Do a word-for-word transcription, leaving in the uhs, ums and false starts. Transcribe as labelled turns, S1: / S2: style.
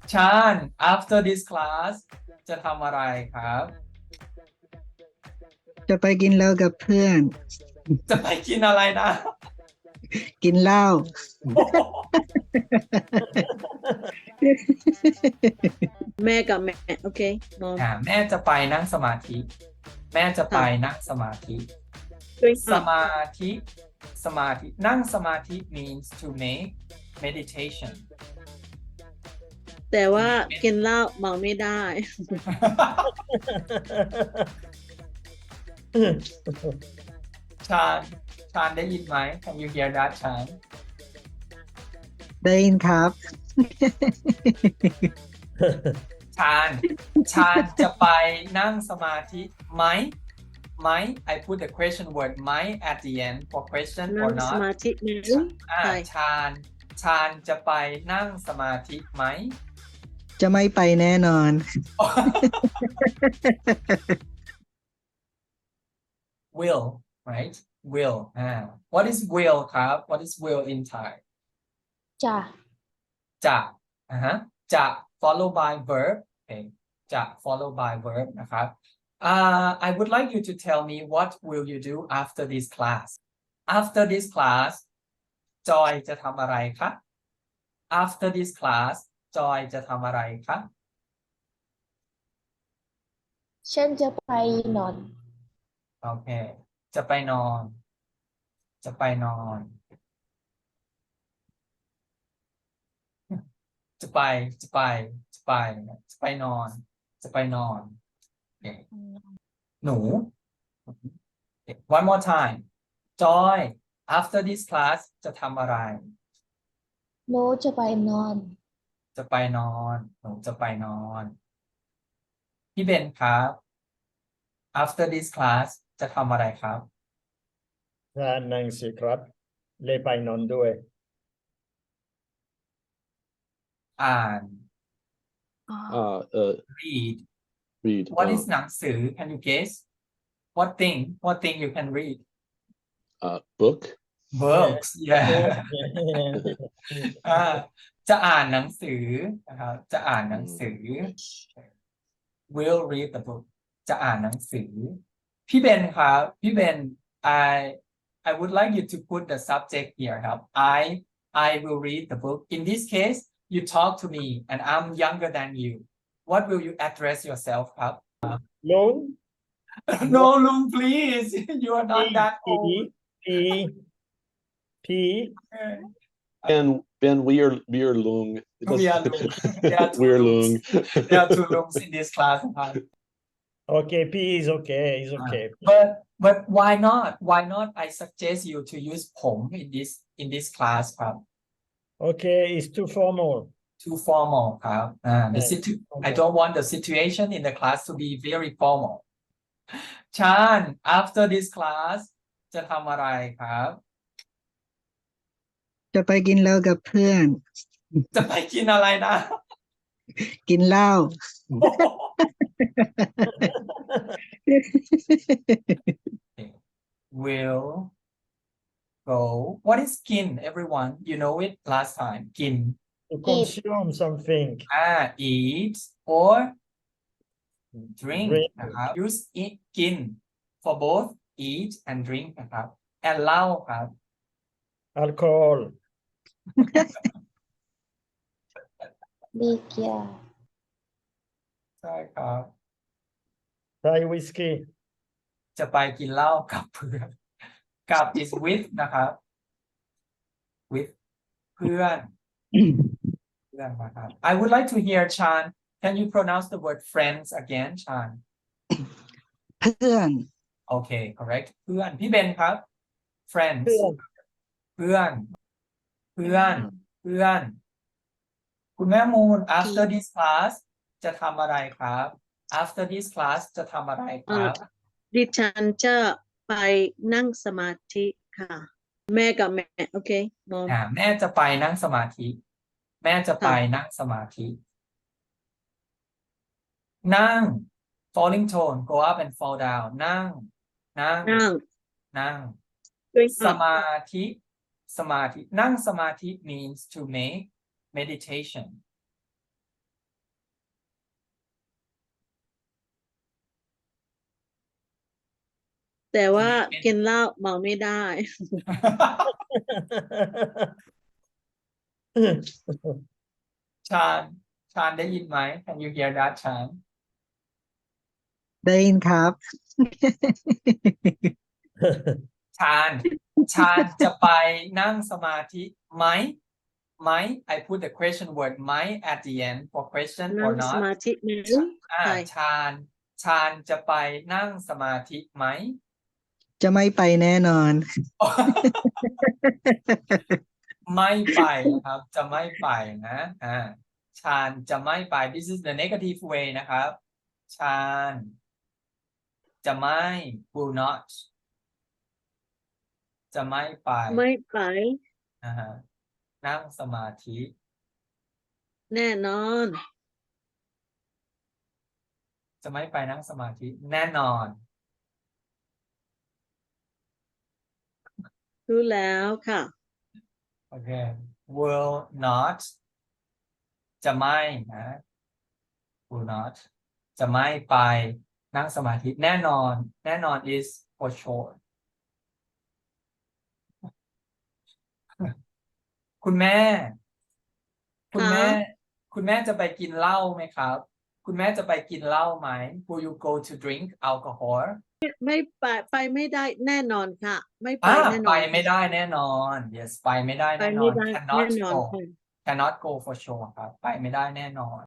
S1: ชาน after this class จะทำอะไรครับ
S2: จะไปกินเหล้ากับเพื่อน
S1: จะไปกินอะไรนะ
S2: กินเหล้า
S3: แม่กับแม่โอเคมอม
S1: อ่าแม่จะไปนั่งสมาธิ แม่จะไปนั่งสมาธิ
S3: drink
S1: ส
S3: up
S1: มาธิ สมาธิ นั่งสมาธิ means to make meditation
S3: แต่ว่ากินเหล้าเมาไม่ได้
S1: ชาญชาญได้ยินไหม Can you hear that ชาญ
S2: ได้ยินครับ
S1: ชาญ ชาญจะไปนั่งสมาธิไหม ไหม I put the question word ไหม at the end for question
S3: นั่
S1: or
S3: งส
S1: not
S3: มาธิไหม
S1: อ่า
S3: ใช่
S1: ชาญ ชาญจะไปนั่งสมาธิไหม
S2: จะไม่ไปแน่นอน
S1: will right will อ่า what is will ครับ what is will in Thai
S4: จ้ะ
S1: จะอ่าฮะจะ follow by verb โอเคจะ follow by verb นะครับ uh, I would like you to tell me what will you do after this class after this class จอยจะทำอะไรคะ after this class จอยจะทำอะไรคะ
S4: ฉันจะไปนอน
S1: โอเค จะไปนอน จะไปนอน จะไป จะไป จะไป จะไปนอน จะไปนอนโอเคหนู one more time จอย after this class จะทำอะไร
S4: หนูจะไปนอน
S1: จะไปนอน หนูจะไปนอน พี่เบนครับ after this class จะทำอะไรครับ
S5: อ่านหนังสือครับเลยไปนอนด้วย
S1: อ่าน
S6: Uh, uh,
S1: read
S6: read.
S1: what
S6: uh,
S1: is หนังสือ can you guess what thing what thing you can read
S6: uh, book.
S1: books yeah อ่าจะอ่านหนังสือนะครับจะอ่านหนังสือ will read the book จะอ่านหนังสือ พี่เบนครับพี่เบน I I would like you to put the subject here ครับ I I will read the book in this case you talk to me and I'm younger than you what will you address yourself ครับ
S5: ลุง
S1: no ลุง please you are not that
S5: พี
S1: old
S5: พีพี
S6: Ben, Ben, we are we are Lung. It
S1: We are
S6: doesn't-
S1: Lung. There are two
S6: We're
S1: Lungs.
S6: Lung.
S1: There are two rooms in this class ครับ
S5: okay P is okay is okay
S1: but but why not why not I suggest you to use ผม in this in this class ครับ
S5: okay it's too formal
S1: too formal ครับอ่า the
S5: Okay.
S1: situ I
S5: Okay.
S1: don't want the situation in the class to be very formal ชาญ after this class จะทำอะไรครับ
S2: จะไปกินเหล้ากับเพื่อน
S1: จะไปกินอะไรนะ
S2: กินเหล้า
S1: will go what is กิน everyone you know it last time กิน
S5: to consume something
S1: อ่า eat or drink
S5: Drink.
S1: นะครับ use eat กิน for both eat and drink นะครับ and เหล้าครับ
S5: alcohol
S4: มีเกียร์
S1: ใช่ครับ
S5: Thai whiskey
S1: จะไปกินเหล้ากับเพื่อนกับ is with นะครับ with เพื่อนเพื่อนนะครับ I would like to hear Chan can you pronounce the word friends again Chan
S2: เพื่อน
S1: okay correct เพื่อนพี่เบนครับ friends
S5: เพื่อน
S1: เพื่อน เพื่อน เพื่อน คุณแม่มูล after this class จะทำอะไรครับ after this class จะทำอะไรครับ
S3: ดิฉันจะไปนั่งสมาธิค่ะ แม่กับแม่โอเคมอม
S1: อ่าแม่จะไปนั่งสมาธิ แม่จะไปนั่งสมาธิ นั่ง falling tone go up and fall down นั่ง นั่ง
S3: นั่ง
S1: นั่ง
S3: drink
S1: ส
S3: up
S1: มาธิ สมาธิ นั่งสมาธิ means to make meditation
S3: แต่ว่า
S1: เป็น
S3: กินเหล้าเมาไม่ได้
S1: ชาญชาญได้ยินไหม Can you hear that ชาญ
S2: ได้ยินครับ
S1: ชาญชาญจะไปนั่งสมาธิไหมไหม I put the question word ไหม at the end for question
S3: นั่
S1: or
S3: งส
S1: not
S3: มาธิไหม
S1: อ่า
S3: ใช่
S1: ชาญชาญจะไปนั่งสมาธิไหม
S2: จะไม่ไปแน่นอน
S1: ไม่ไปนะครับ จะไม่ไปนะอ่าชาญจะไม่ไป this is the negative way นะครับ ชาญจะไม่ will not จะไม่ไป
S3: ไม่ไป
S1: นะฮะนั่งสมาธิ
S3: แน่นอน
S1: จะไม่ไปนั่งสมาธิแน่นอน
S3: รู้แล้วค่ะ
S1: โอเค will not จะไม่นะ will not จะไม่ไปนั่งสมาธิแน่นอน แน่นอน is for sure คุณแม่ คุณแม่
S3: ค่ะ
S1: คุณแม่จะไปกินเหล้าไหมครับ คุณแม่จะไปกินเหล้าไหม Will you go to drink alcohol
S3: ไม่ไปไปไม่ได้แน่นอนค่ะ ไม่ไป
S1: อ่า
S3: แน่น
S1: ไป
S3: อน
S1: ไม่ได้แน่นอน yes ไปไม่ได้
S3: ไป
S1: แน่นอ
S3: ไม่
S1: น
S3: ได้
S1: cannot
S3: แน่นอน
S1: go
S3: ค่ะ
S1: cannot go for sure ครับ ไปไม่ได้แน่นอน